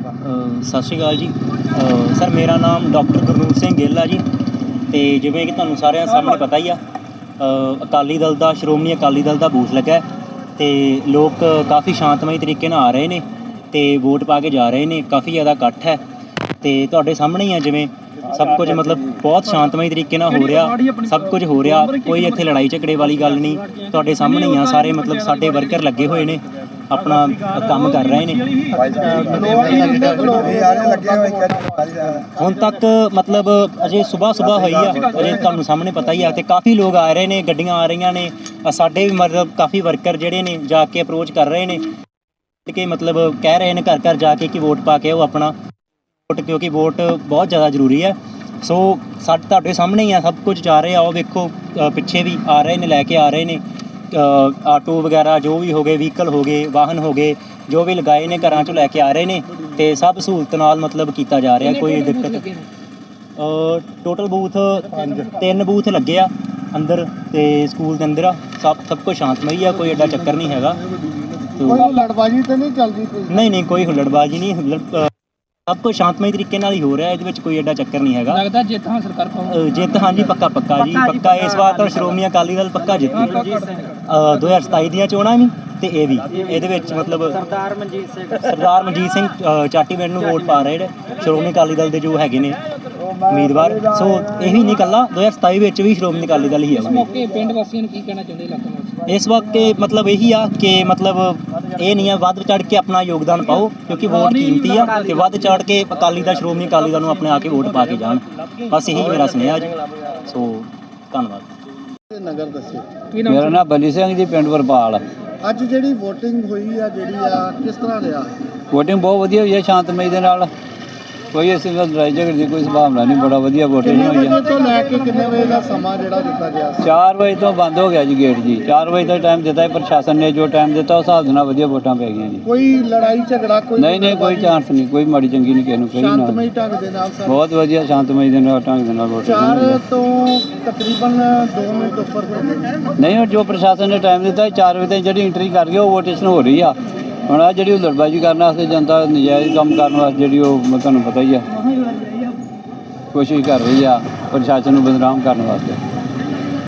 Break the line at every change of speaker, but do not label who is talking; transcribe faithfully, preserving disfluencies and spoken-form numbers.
ਸਤਿ ਸ਼੍ਰੀ ਅਕਾਲ ਜੀ। ਸਰ ਮੇਰਾ ਨਾਮ ਡਾਕਟਰ ਗੁਰਨੂਰ ਸਿੰਘ ਗਿੱਲ ਆ ਜੀ। ਅਤੇ ਜਿਵੇਂ ਕਿ ਤੁਹਾਨੂੰ ਸਾਰਿਆਂ ਸਾਹਮਣੇ ਪਤਾ ਹੀ ਆ, ਅਕਾਲੀ ਦਲ ਦਾ ਸ਼੍ਰੋਮਣੀ ਅਕਾਲੀ ਦਲ ਦਾ ਬੂਥ ਲੱਗਾ ਅਤੇ ਲੋਕ ਕਾਫੀ ਸ਼ਾਂਤਮਈ ਤਰੀਕੇ ਨਾਲ ਆ ਰਹੇ ਨੇ ਅਤੇ ਵੋਟ ਪਾ ਕੇ ਜਾ ਰਹੇ ਨੇ। ਕਾਫੀ ਜ਼ਿਆਦਾ ਇਕੱਠ ਹੈ ਅਤੇ ਤੁਹਾਡੇ ਸਾਹਮਣੇ ਹੀ ਆ, ਜਿਵੇਂ ਸਭ ਕੁਝ ਮਤਲਬ ਬਹੁਤ ਸ਼ਾਂਤਮਈ ਤਰੀਕੇ ਨਾਲ ਹੋ ਰਿਹਾ, ਸਭ ਕੁਝ ਹੋ ਰਿਹਾ, ਕੋਈ ਇੱਥੇ ਲੜਾਈ ਝਗੜੇ ਵਾਲੀ ਗੱਲ ਨਹੀਂ। ਤੁਹਾਡੇ ਸਾਹਮਣੇ ਹੀ ਆ, ਸਾਰੇ ਮਤਲਬ ਸਾਡੇ ਵਰਕਰ ਲੱਗੇ ਹੋਏ ਨੇ, ਆਪਣਾ ਕੰਮ ਕਰ ਰਹੇ ਨੇ। ਹੁਣ ਤੱਕ ਮਤਲਬ ਅਜੇ ਸੁਬਾਹ ਸੁਬਾਹ ਹੋਈ ਆ, ਅਜੇ ਤੁਹਾਨੂੰ ਸਾਹਮਣੇ ਪਤਾ ਹੀ ਆ, ਅਤੇ ਕਾਫੀ ਲੋਕ ਆ ਰਹੇ ਨੇ, ਗੱਡੀਆਂ ਆ ਰਹੀਆਂ ਨੇ। ਸਾਡੇ ਵੀ ਮਤਲਬ ਕਾਫੀ ਵਰਕਰ ਜਿਹੜੇ ਨੇ ਜਾ ਕੇ ਅਪਰੋਚ ਕਰ ਰਹੇ ਨੇ ਕਿ ਮਤਲਬ ਕਹਿ ਰਹੇ ਨੇ ਘਰ ਘਰ ਜਾ ਕੇ ਕਿ ਵੋਟ ਪਾ ਕੇ ਉਹ ਆਪਣਾ ਵੋਟ, ਕਿਉਂਕਿ ਵੋਟ ਬਹੁਤ ਜ਼ਿਆਦਾ ਜ਼ਰੂਰੀ ਹੈ। ਸੋ ਸਾਡੇ ਤੁਹਾਡੇ ਸਾਹਮਣੇ ਹੀ ਆ, ਸਭ ਕੁਝ ਜਾ ਰਹੇ ਆ। ਉਹ ਵੇਖੋ ਪਿੱਛੇ ਵੀ ਆ ਰਹੇ ਨੇ, ਲੈ ਕੇ ਆ ਰਹੇ ਨੇ ਆਟੋ ਵਗੈਰਾ, ਜੋ ਵੀ ਹੋ ਗਏ ਵਹੀਕਲ ਹੋ ਗਏ, ਵਾਹਨ ਹੋ ਗਏ, ਜੋ ਵੀ ਲਗਾਏ ਨੇ ਘਰਾਂ 'ਚੋਂ ਲੈ ਕੇ ਆ ਰਹੇ ਨੇ ਅਤੇ ਸਭ ਸਹੂਲਤ ਨਾਲ ਮਤਲਬ ਕੀਤਾ ਜਾ ਰਿਹਾ, ਕੋਈ ਦਿੱਕਤ। ਟੋਟਲ ਬੂਥ ਤਿੰਨ ਬੂਥ ਲੱਗੇ ਆ ਅੰਦਰ ਅਤੇ ਸਕੂਲ ਦੇ ਅੰਦਰ ਆ। ਸਭ ਸਭ ਕੁਝ ਸ਼ਾਂਤਮਈ ਆ, ਕੋਈ ਐਡਾ ਚੱਕਰ ਨਹੀਂ ਹੈਗਾ।
ਹੁੱਲੜਬਾਜ਼ੀ ਤਾਂ ਨਹੀਂ ਚੱਲਦੀ?
ਨਹੀਂ ਨਹੀਂ, ਕੋਈ ਹੁੱਲੜਬਾਜ਼ੀ ਨਹੀਂ, ਸਭ ਕੁਝ ਸ਼ਾਂਤਮਈ ਤਰੀਕੇ ਨਾਲ ਹੀ ਹੋ ਰਿਹਾ, ਇਹਦੇ ਵਿੱਚ ਕੋਈ ਐਡਾ ਚੱਕਰ ਨਹੀਂ ਹੈਗਾ।
ਲੱਗਦਾ ਜਿੱਤ ਹਾਸਲ ਕਰ ਪਾਓ?
ਜਿੱਤ ਹਾਂਜੀ, ਪੱਕਾ ਪੱਕਾ ਜੀ, ਪੱਕਾ। ਇਸ ਵਾਰ ਤਾਂ ਸ਼੍ਰੋਮਣੀ ਅਕਾਲੀ ਦਲ ਪੱਕਾ ਜਿੱਤੂ। ਦੋ ਹਜ਼ਾਰ ਸਤਾਈ ਦੀਆਂ ਚੋਣਾਂ ਵੀ ਅਤੇ ਇਹ ਵੀ, ਇਹਦੇ ਵਿੱਚ ਮਤਲਬ ਸਰਦਾਰ ਮਨਜੀਤ ਸਿੰਘ ਸਰਦਾਰ ਮਨਜੀਤ ਸਿੰਘ ਚਾਟੀਵਿੰਡ ਨੂੰ ਵੋਟ ਪਾ ਰਹੇ ਨੇ ਸ਼੍ਰੋਮਣੀ ਅਕਾਲੀ ਦਲ ਦੇ ਜੋ ਹੈਗੇ ਨੇ ਉਮੀਦਵਾਰ। ਸੋ ਇਹ ਵੀ ਨਹੀਂ ਇਕੱਲਾ, ਦੋ ਹਜ਼ਾਰ ਸਤਾਈ ਵਿੱਚ ਵੀ ਸ਼੍ਰੋਮਣੀ ਅਕਾਲੀ ਦਲ ਹੀ ਆਊਗੀ।
ਮੌਕੇ ਪਿੰਡ ਵਾਸੀਆਂ ਨੂੰ ਕੀ ਕਹਿਣਾ ਚਾਹੁੰਦੇ ਇਲਾਕਾ ਵਾਸੀ?
ਇਸ ਵਕਤ ਮਤਲਬ ਇਹੀ ਆ ਕਿ ਮਤਲਬ ਇਹ ਨਹੀਂ ਆ, ਵੱਧ ਚੜ੍ਹ ਕੇ ਆਪਣਾ ਯੋਗਦਾਨ ਪਾਓ, ਕਿਉਂਕਿ ਵੋਟ ਕੀਮਤੀ ਆ, ਅਤੇ ਵੱਧ ਚੜ੍ਹ ਕੇ ਅਕਾਲੀ ਦਲ ਸ਼੍ਰੋਮਣੀ ਅਕਾਲੀ ਦਲ ਨੂੰ ਆਪਣੇ ਆ ਕੇ ਵੋਟ ਪਾ ਕੇ ਜਾਣ। ਬਸ ਇਹੀ ਮੇਰਾ ਸੁਨੇਹਾ ਜੀ। ਸੋ ਧੰਨਵਾਦ।
ਨਗਰ ਦੱਸਿਓ।
ਮੇਰਾ ਨਾਮ ਬਲੀ ਸਿੰਘ ਜੀ, ਪਿੰਡ ਵਰਪਾਲ।
ਅੱਜ ਜਿਹੜੀ ਵੋਟਿੰਗ ਹੋਈ ਆ, ਜਿਹੜੀ ਆ ਕਿਸ ਤਰ੍ਹਾਂ ਰਿਹਾ?
ਵੋਟਿੰਗ ਬਹੁਤ ਵਧੀਆ ਹੋਈ ਹੈ, ਸ਼ਾਂਤਮਈ ਦੇ ਨਾਲ, ਕੋਈ ਇਸ ਤਰ੍ਹਾਂ ਲੜਾਈ ਝਗੜੇ ਦੀ ਕੋਈ ਸੰਭਾਵਨਾ ਨਹੀਂ। ਬੜਾ ਵਧੀਆ ਵੋਟਿੰਗ ਹੋਈ ਹੈ।
ਤੋਂ ਲੈ ਕੇ ਕਿੰਨੇ ਵਜੇ ਦਾ ਸਮਾਂ ਜਿਹੜਾ ਦਿੱਤਾ ਗਿਆ?
ਚਾਰ ਵਜੇ ਤੋਂ ਬੰਦ ਹੋ ਗਿਆ ਜੀ ਗੇਟ ਜੀ। ਚਾਰ ਵਜੇ ਦਾ ਟਾਈਮ ਦਿੱਤਾ ਹੈ ਪ੍ਰਸ਼ਾਸਨ ਨੇ, ਜੋ ਟਾਈਮ ਦਿੱਤਾ ਉਸ ਹਿਸਾਬ ਦੇ ਨਾਲ ਵਧੀਆ ਵੋਟਾਂ ਪੈ ਗਈਆਂ ਜੀ।
ਕੋਈ ਲੜਾਈ ਝਗੜਾ ਕੋਈ
ਨਹੀਂ ਨਹੀਂ, ਕੋਈ ਚਾਂਸ ਨਹੀਂ, ਕੋਈ ਮਾੜੀ ਚੰਗੀ ਨਹੀਂ ਕਿਸੇ ਨੂੰ ਕਹੀ ਨਾ।
ਸ਼ਾਂਤਮਈ ਢੰਗ ਦੇ ਨਾਲ ਸਰ?
ਬਹੁਤ ਵਧੀਆ ਸ਼ਾਂਤਮਈ ਦੇ ਨਾਲ ਢੰਗ ਦੇ ਨਾਲ ਵੋਟਿੰਗ
ਚਾਰ
ਹੋਈ ਹੈ।
ਤੋਂ ਤਕਰੀਬਨ ਦੋ ਮਿੰਟ ਉੱਪਰ ਹੋ ਗਏ।
ਨਹੀਂ, ਉਹ ਜੋ ਪ੍ਰਸ਼ਾਸਨ ਨੇ ਟਾਈਮ ਦਿੱਤਾ ਚਾਰ ਵਜੇ ਤੱਕ ਜਿਹੜੀ ਐਂਟਰੀ ਕਰ ਗਏ ਉਹ ਵੋਟੇਸ਼ਨ ਹੋ ਰਹੀ ਆ। ਹੁਣ ਆ ਜਿਹੜੀ ਹੁੱਲੜਬਾਜ਼ੀ ਕਰਨ ਵਾਸਤੇ, ਜਨਤਾ ਨਜਾਇਜ਼ ਕੰਮ ਕਰਨ ਵਾਸਤੇ ਜਿਹੜੀ ਉਹ ਤੁਹਾਨੂੰ ਪਤਾ ਹੀ ਆ ਕੋਸ਼ਿਸ਼ ਕਰ ਰਹੀ ਆ ਪ੍ਰਸ਼ਾਸਨ ਨੂੰ ਬਦਨਾਮ ਕਰਨ ਵਾਸਤੇ।